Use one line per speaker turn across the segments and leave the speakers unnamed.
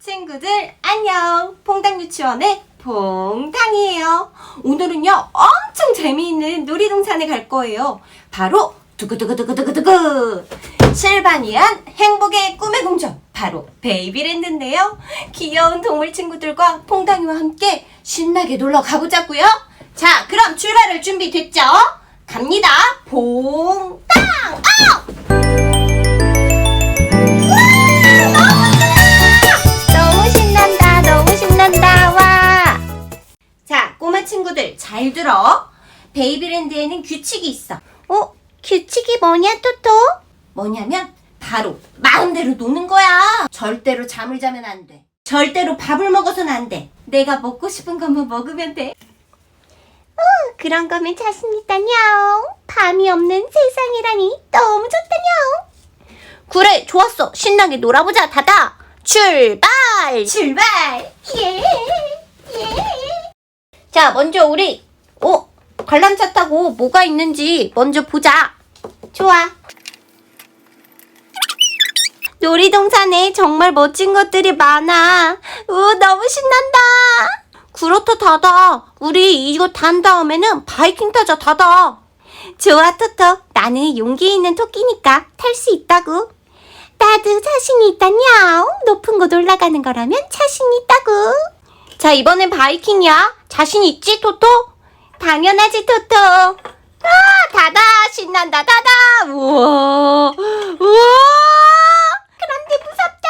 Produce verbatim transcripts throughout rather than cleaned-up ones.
친구들 안녕! 퐁당유치원의 퐁당이에요. 오늘은요 엄청 재미있는 놀이동산에 갈 거예요. 바로 두구두구두구두구두구 실바니안 행복의 꿈의 궁전, 바로 베이비랜드인데요. 귀여운 동물 친구들과 퐁당이와 함께 신나게 놀러 가보자고요. 자, 그럼 출발할 준비 됐죠? 갑니다. 퐁당! 아! 자, 꼬마 친구들 잘 들어. 베이비랜드에는 규칙이 있어. 어? 규칙이 뭐냐, 토토? 뭐냐면 바로 마음대로 노는 거야. 절대로 잠을 자면 안 돼. 절대로 밥을 먹어서는 안 돼. 내가 먹고 싶은 것만 먹으면 돼. 어, 그런 거면 자신 있다냥. 밤이 없는 세상이라니 너무 좋다냥. 그래, 좋았어. 신나게 놀아보자, 다다. 출발! 출발! 예! 예! 자, 먼저 우리 어? 관람차 타고 뭐가 있는지 먼저 보자. 좋아. 놀이동산에 정말 멋진 것들이 많아. 우, 너무 신난다. 그렇다, 다다. 우리 이거 탄 다음에는 바이킹 타자, 다다. 좋아, 토토. 나는 용기 있는 토끼니까 탈 수 있다고. 나도 자신이 있다냥. 높은 곳 올라가는 거라면 자신이 있다고. 자, 이번엔 바이킹이야. 자신 있지, 토토? 당연하지, 토토. 아, 다다. 신난다, 다다. 우와. 우와. 그런데 무섭다,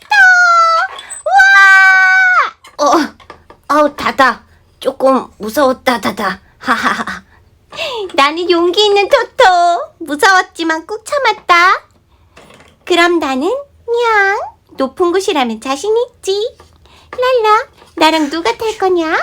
토토. 우와. 어, 어, 다다. 조금 무서웠다, 다다. 하하하. 나는 용기 있는 토토. 무서웠지만 꾹 참았다. 그럼 나는 냥. 높은 곳이라면 자신 있지. 랄라. 나랑 누가 탈 거냐?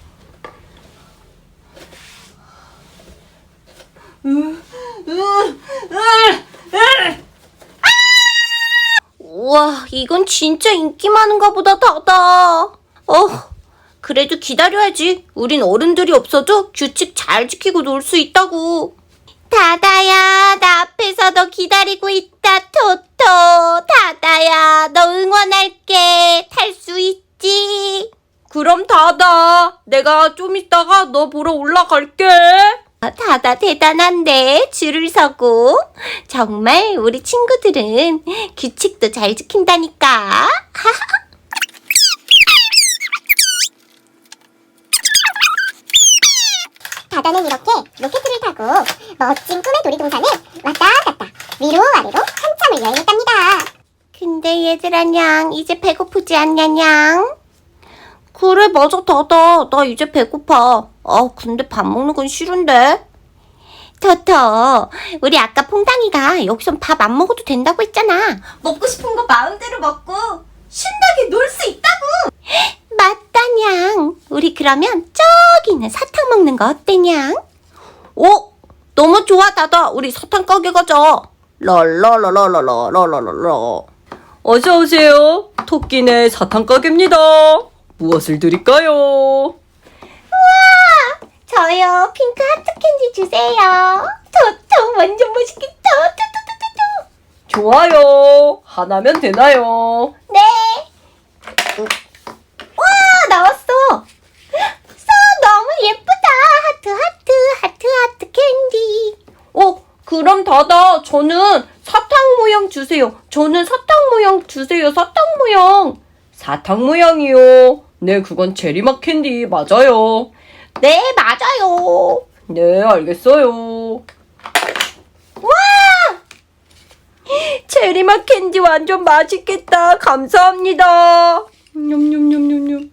우와, 이건 진짜 인기 많은가 보다, 다다. 어, 그래도 기다려야지. 우린 어른들이 없어도 규칙 잘 지키고 놀 수 있다고. 다다야, 나 앞에서 너 기다리고 있다, 토토. 다다야, 너 응원할게. 탈 수 있지? 그럼 다다, 내가 좀 이따가 너 보러 올라갈게. 다다 대단한데, 줄을 서고. 정말 우리 친구들은 규칙도 잘 지킨다니까.
다다는 이렇게 로켓을 타고 멋진 꿈의 놀이동산을 왔다 갔다 위로 아래로 한참을 여행했답니다.
근데 얘들아 냥, 이제 배고프지 않냐 냥? 그래, 맞아, 다다. 나 이제 배고파. 아, 근데 밥 먹는 건 싫은데. 토토, 우리 아까 퐁당이가 여기선 밥 안 먹어도 된다고 했잖아. 먹고 싶은 거 마음대로 먹고 신나게 놀 수 있다고. 맞다, 냥. 우리 그러면 저기 있는 사탕 먹는 거 어때, 냥? 오, 너무 좋아, 다다. 우리 사탕 가게 가자. 랄랄랄랄랄랄랄랄라.
어서 오세요. 토끼네 사탕 가게입니다. 무엇을 드릴까요?
우와! 저요, 핑크 하트 캔디 주세요. 토토, 완전 맛있겠다. 토토토토토.
좋아요. 하나면 되나요?
네. 와, 나왔어. 써, 너무 예쁘다. 하트, 하트, 하트, 하트 캔디. 어, 그럼 다다. 저는 사탕 모양 주세요. 저는 사탕 모양 주세요. 사탕 모양.
사탕 모양이요. 네, 그건 제리맛 캔디 맞아요.
네, 맞아요.
네, 알겠어요.
와! 체리맛 캔디 완전 맛있겠다. 감사합니다. 냠냠냠냠냠.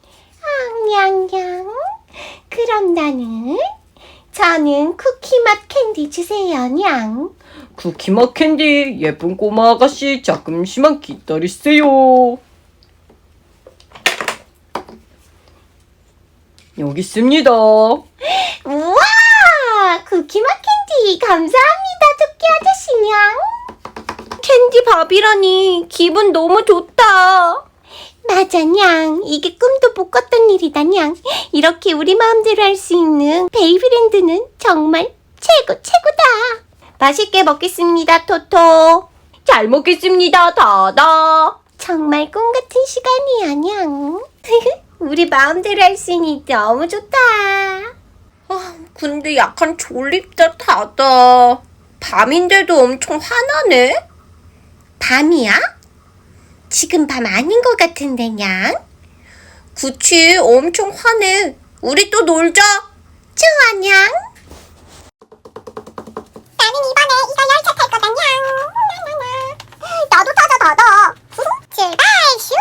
냥냥. 그럼 나는 저는 쿠키맛 캔디 주세요, 냥.
쿠키맛 캔디 예쁜 꼬마 아가씨 잠깐만 기다리세요. 여기 있습니다.
우와! 쿠키맛 캔디 감사합니다, 토끼 아저씨냥. 캔디 밥이라니 기분 너무 좋다. 맞아, 냥. 이게 꿈도 못 꿨던 일이다, 냥. 이렇게 우리 마음대로 할 수 있는 베이비랜드는 정말 최고, 최고다. 맛있게 먹겠습니다, 토토. 잘 먹겠습니다, 다다. 정말 꿈 같은 시간이야, 냥. 우리 마음대로 할 수 있니 너무 좋다. 아, 근데 약간 졸립다, 다다. 밤인데도 엄청 화나네? 밤이야? 지금 밤 아닌 것 같은데, 냥? 그치, 엄청 화내. 우리 또 놀자. 좋아, 냥.
나는 이번에 이거 열차 탈 거다, 냥. 나도 타자, 다다. 출발, 슈.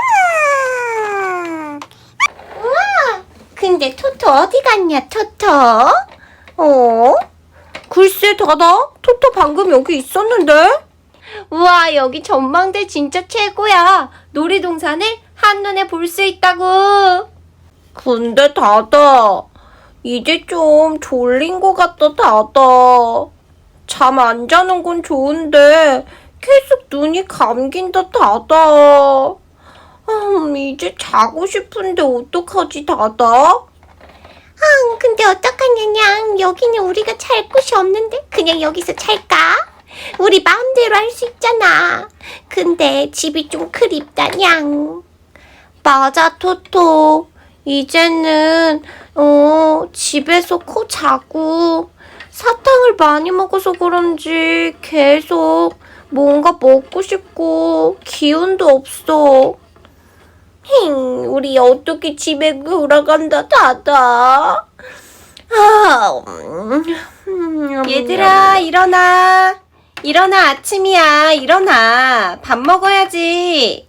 우와, 근데 토토 어디 갔냐, 토토? 어? 글쎄, 다다. 토토 방금 여기 있었는데? 우와, 여기 전망대 진짜 최고야. 놀이동산을 한눈에 볼 수 있다고. 근데 다다, 이제 좀 졸린 것 같다, 다다. 잠 안 자는 건 좋은데 계속 눈이 감긴다, 다다. 음, 이제 자고 싶은데 어떡하지, 다다? 아, 근데 어떡하냐, 냥. 여기는 우리가 잘 곳이 없는데 그냥 여기서 잘까? 우리 마음대로 할 수 있잖아. 근데 집이 좀 그립다, 냥. 맞아, 토토. 이제는 어 집에서 코 자고 사탕을 많이 먹어서 그런지 계속 뭔가 먹고 싶고 기운도 없어. 힝, 우리 어떻게 집에 돌아간다, 다다. 아, 음, 얘들아, 일어나. 일어나, 아침이야. 일어나. 밥 먹어야지.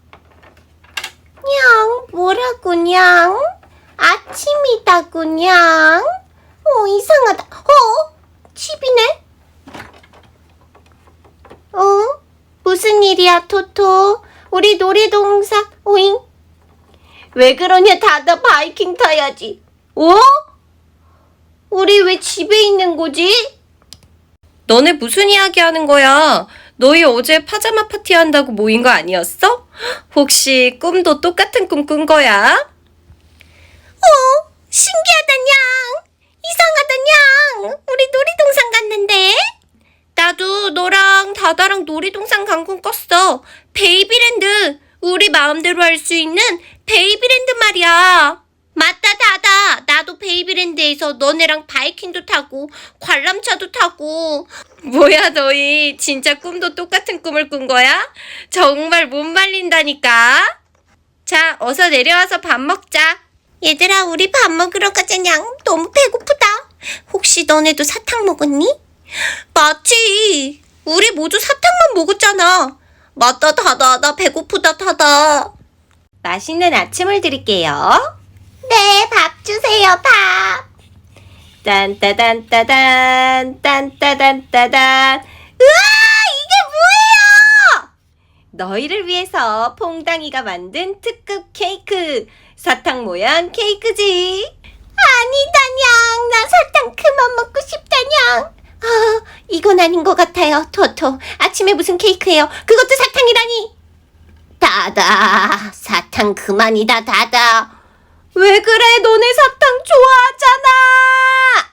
냥, 뭐라고, 냥? 아침이다고, 냥. 어, 이상하다. 어? 집이네? 어? 무슨 일이야, 토토? 우리 놀이동산, 오잉? 왜 그러냐, 다다. 바이킹 타야지. 어? 우리 왜 집에 있는 거지? 너네 무슨 이야기 하는 거야? 너희 어제 파자마 파티 한다고 모인 거 아니었어? 혹시 꿈도 똑같은 꿈 꾼 거야? 어, 신기하다, 냥. 이상하다, 냥. 우리 놀이동산 갔는데? 나도 너랑 다다랑 놀이동산 간 꿈 꿨어. 베이비랜드. 우리 마음대로 할 수 있는 베이비랜드 말이야. 맞다, 다다. 나도 베이비랜드에서 너네랑 바이킹도 타고 관람차도 타고. 뭐야, 너희 진짜 꿈도 똑같은 꿈을 꾼 거야? 정말 못 말린다니까. 자, 어서 내려와서 밥 먹자. 얘들아, 우리 밥 먹으러 가자, 냥. 너무 배고프다. 혹시 너네도 사탕 먹었니? 맞지. 우리 모두 사탕만 먹었잖아. 맞다, 다다. 나 배고프다, 다다. 맛있는 아침을 드릴게요. 네, 밥 주세요, 밥. 딴따단따단, 딴따단따단. 우와, 이게 뭐예요? 너희를 위해서 퐁당이가 만든 특급 케이크. 사탕 모양 케이크지. 아니다, 냥. 나 사탕 그만 먹고 싶다, 냥. 아, 이건 아닌 것 같아요, 토토. 아침에 무슨 케이크예요? 그것도 사탕이라니. 다다, 사탕 그만이다, 다다. 왜 그래? 너네 사탕 좋아하잖아.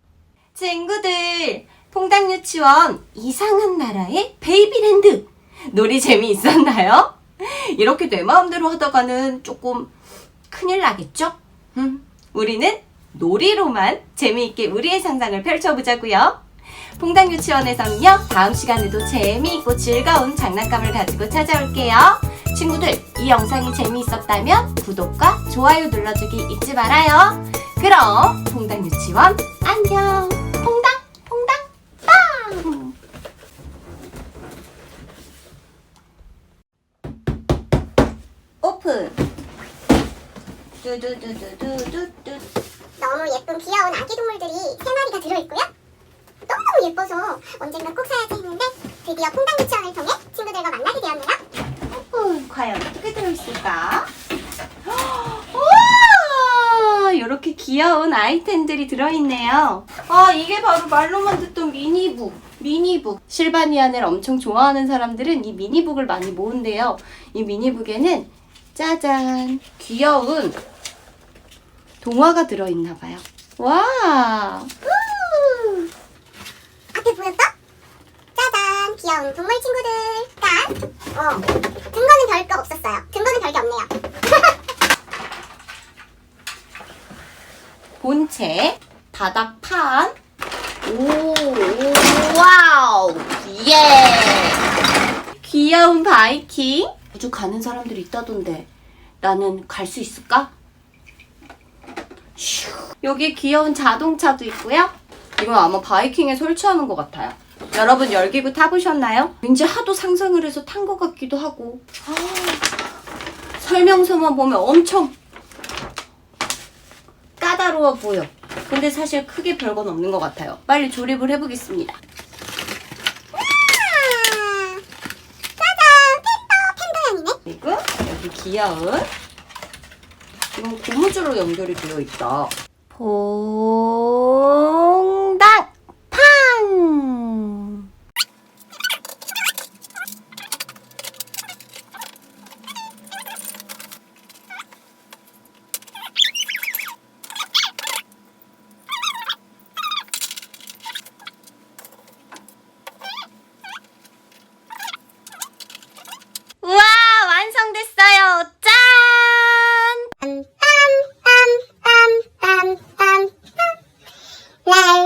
친구들, 퐁당 유치원 이상한 나라의 베이비랜드 놀이 재미있었나요? 이렇게 내 마음대로 하다가는 조금 큰일 나겠죠? 음, 우리는 놀이로만 재미있게 우리의 상상을 펼쳐보자고요. 퐁당 유치원에서는요, 다음 시간에도 재미있고 즐거운 장난감을 가지고 찾아올게요. 친구들, 이 영상이 재미있었다면 구독과 좋아요 눌러주기 잊지 말아요. 그럼 퐁당 유치원 안녕. 퐁당 퐁당 빵. 오픈. 두두두두두두두.
너무 예쁜 귀여운 아기 동물들이 세 마리가 들어있고요. 너무너무 예뻐서 언젠가 꼭 사야지 했는데 드디어 퐁당 유치원을 통해 친구들과 만나게 되었네요.
어, 과연 어떻게 들어있을까? 우와! 이렇게 귀여운 아이템들이 들어있네요. 아, 이게 바로 말로만 듣던 미니북. 미니북. 실바니안을 엄청 좋아하는 사람들은 이 미니북을 많이 모은대요. 이 미니북에는 짜잔, 귀여운 동화가 들어있나봐요. 와!
앞에 보였어? 짜잔, 귀여운 동물 친구들. 깐. 어. 근거는 별거 없었어요. 근거는 별게 없네요.
본체, 바닥판. 오, 오, 와우, 예. 귀여운 바이킹. 우주 가는 사람들이 있다던데 나는 갈 수 있을까? 슈. 여기 귀여운 자동차도 있고요. 이건 아마 바이킹에 설치하는 것 같아요. 여러분 열기구 타보셨나요? 왠지 하도 상상을 해서 탄 것 같기도 하고. 아, 설명서만 보면 엄청 까다로워 보여. 근데 사실 크게 별건 없는 것 같아요. 빨리 조립을 해보겠습니다.
우와! 짜잔! 팬더! 팬더 향이네?
그리고 여기 귀여운 이건 고무줄로 연결이 되어 있다. 퐁당 팡! 우와, 완성됐어요. 짠!
빰빰빰빰빰빰빰 랄